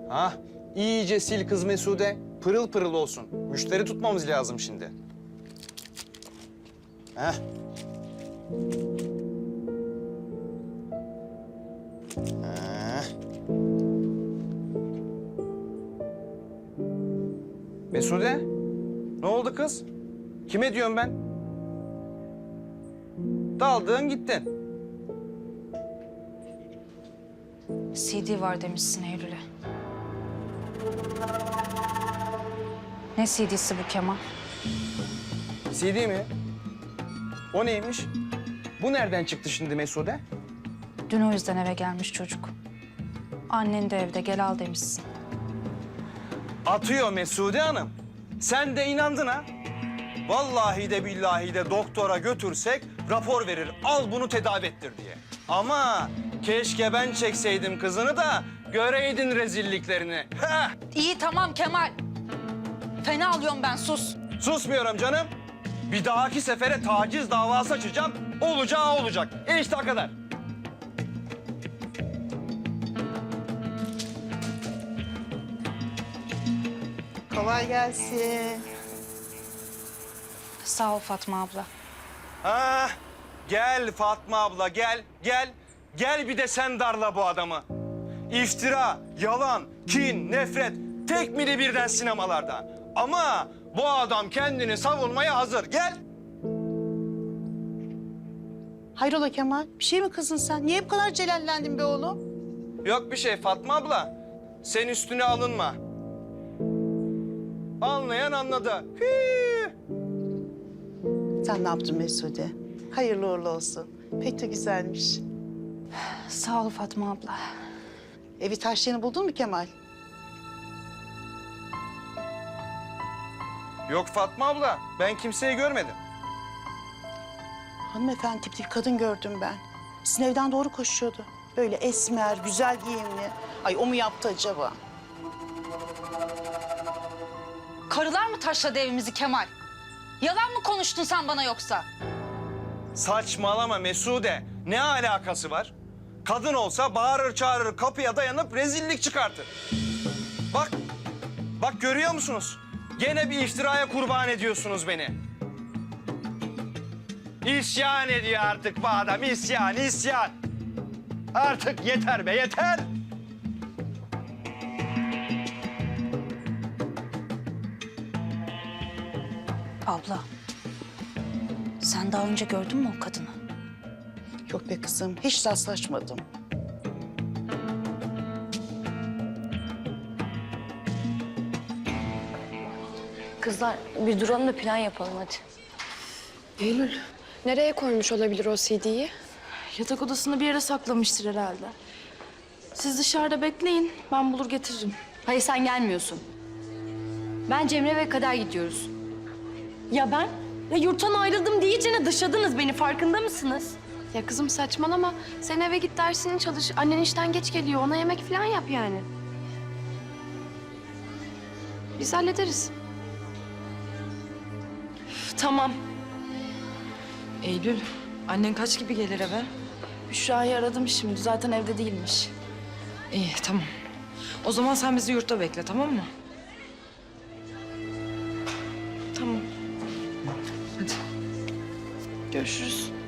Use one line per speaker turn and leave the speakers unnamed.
Ah, iyice sil kız Mesude. Pırıl pırıl olsun. Müşteri tutmamız lazım şimdi. Heh. Mesude, ne oldu kız? Kime diyorum ben? Daldın gittin.
CD var demişsin Eylül'e. Ne CD'si bu Kemal?
CD mi? O neymiş? Bu nereden çıktı şimdi Mesude?
Dün o yüzden eve gelmiş çocuk. Annen de evde, gel al demişsin.
Atıyor Mesude Hanım. Sen de inandın ha? Vallahi de billahi de doktora götürsek rapor verir. Al bunu tedavi ettir diye. Ama keşke ben çekseydim kızını da göreydin rezilliklerini. Heh!
İyi tamam Kemal. Fena alıyorum ben, sus.
Susmuyorum canım. Bir dahaki sefere taciz davası açacağım. Olacağı olacak. İşte o kadar.
Kolay gelsin.
Sağ ol Fatma abla.
Ha, gel Fatma abla gel, gel. Gel bir de sen darla bu adamı. İftira, yalan, kin, nefret tek mili birden sinemalarda. Ama bu adam kendini savunmaya hazır. Gel.
Hayrola Kemal? Bir şey mi kızdın sen? Niye bu kadar celallendin be oğlum?
Yok bir şey Fatma abla. Sen üstüne alınma. Anlayan anladı. Hii.
Sen ne yaptın Mesude? Hayırlı uğurlu olsun. Pek de güzelmiş.
Sağ ol Fatma abla.
Evi taşlarını buldun mu Kemal?
Yok Fatma abla, ben kimseyi görmedim.
Hanımefendi tipli bir kadın gördüm ben. Sizin evden doğru koşuyordu. Böyle esmer, güzel giyimli. Ay o mu yaptı acaba?
Karılar mı taşladı evimizi Kemal? Yalan mı konuştun sen bana yoksa?
Saçmalama Mesude. Ne alakası var? Kadın olsa bağırır çağırır kapıya dayanıp rezillik çıkartır. Bak, bak görüyor musunuz? Gene bir iftiraya kurban ediyorsunuz beni. İsyan ediyor artık bu adam, isyan, isyan. Artık yeter be, yeter.
Abla, sen daha önce gördün mü o kadını?
Yok be kızım, hiç rastlaşmadım.
Kızlar bir duralım da plan yapalım hadi.
Eylül, nereye koymuş olabilir o CD'yi?
Yatak odasında bir yere saklamıştır herhalde. Siz dışarıda bekleyin, ben bulur getiririm. Hayır sen gelmiyorsun. Ben Cemre ve Kader gidiyoruz. Ya ben? Ya yurttan ayrıldım diyeceğine dışladınız beni, farkında mısınız?
Ya kızım saçmalama. Sen eve git dersini çalış. Annen işten geç geliyor. Ona yemek falan yap yani. Biz hallederiz.
Üf, tamam.
Eylül, annen kaç gibi gelir eve?
Büşra'yı aradım şimdi, zaten evde değilmiş.
İyi, tamam. O zaman sen bizi yurtta bekle, tamam mı?
Tamam,
Hadi.
görüşürüz.